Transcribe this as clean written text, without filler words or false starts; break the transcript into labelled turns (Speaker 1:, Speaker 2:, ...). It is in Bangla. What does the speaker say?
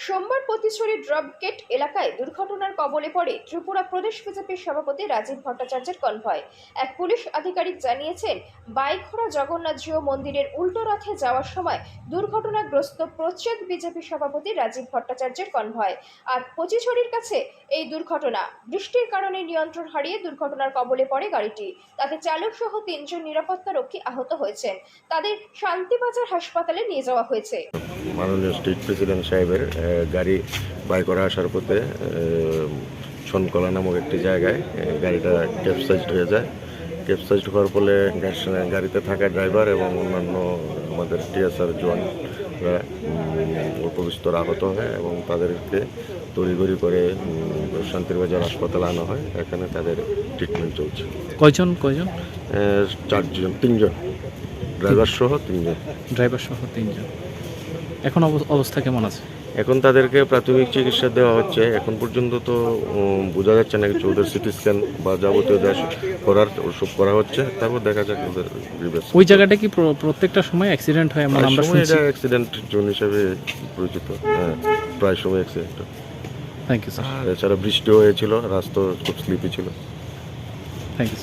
Speaker 1: সোমবার পতিছড়ি ড্রপগেট এলাকায় দুর্ঘটনার কবলে পড়ে ত্রিপুরা প্রদেশ বিজেপির সভাপতি রাজীব ভট্টাচার্যের কনভয়। এক পুলিশ আধিকারিক জানিয়েছেন, বাইখোড়া জগন্নাথজিউ মন্দিরের উল্টো রথে যাওয়ার সময় দুর্ঘটনাগ্রস্ত প্রচ্ছদ বিজেপি সভাপতি রাজীব ভট্টাচার্যের কনভয়। আর পতিছড়ির কাছে এই দুর্ঘটনা। বৃষ্টির কারণে নিয়ন্ত্রণ হারিয়ে দুর্ঘটনার কবলে পড়ে গাড়িটি। তাতে চালক সহ 3 জন নিরাপত্তারক্ষী আহত হয়েছেন। তাদের শান্তিবাজার হাসপাতালে নিয়ে যাওয়া হয়েছে।
Speaker 2: মাননীয় স্টেট প্রেসিডেন্ট সাহেবের গাড়ি বাইকরা আসার পথে ছনকলা নামক একটি জায়গায় গাড়িটা ক্যাপসাইজড হয়ে যায়। ক্যাপসাইজড হওয়ার ফলে গাড়িতে থাকা ড্রাইভার এবং অন্যান্য আমাদের টিএসআর জওয়ানরা অল্প বিস্তর আহত হয় এবং তাদেরকে তড়িঘড়ি করে শান্তিবাজার হাসপাতালে আনা হয়। এখানে তাদের ট্রিটমেন্ট চলছে।
Speaker 3: কয়জন
Speaker 2: 3 জন ড্রাইভার সহ 3 জন।
Speaker 3: ড্রাইভার সহ 3 জন। এখন অবস্থা কেমন আছে?
Speaker 2: এখন তাদেরকে প্রাথমিক চিকিৎসা দেওয়া হচ্ছে। এখন পর্যন্ত তো বোঝা যাচ্ছে না কিছু। ওদের সিটি স্ক্যান বা যাবতীয় করার ওসব করা হচ্ছে, তারপর দেখা যাক ওদের রিভার্স।
Speaker 3: ওই জায়গাটা কি প্রত্যেকটা সময় অ্যাক্সিডেন্ট হয়? আমরা শুনছি
Speaker 2: এটা অ্যাক্সিডেন্ট জোন হিসেবে পরিচিত। হ্যাঁ, প্রায় সময় অ্যাক্সিডেন্ট।
Speaker 3: Thank you sir.
Speaker 2: আর এছাড়া বৃষ্টিও হয়েছিল, রাস্তা খুব স্লিপি ছিল।
Speaker 3: Thank you.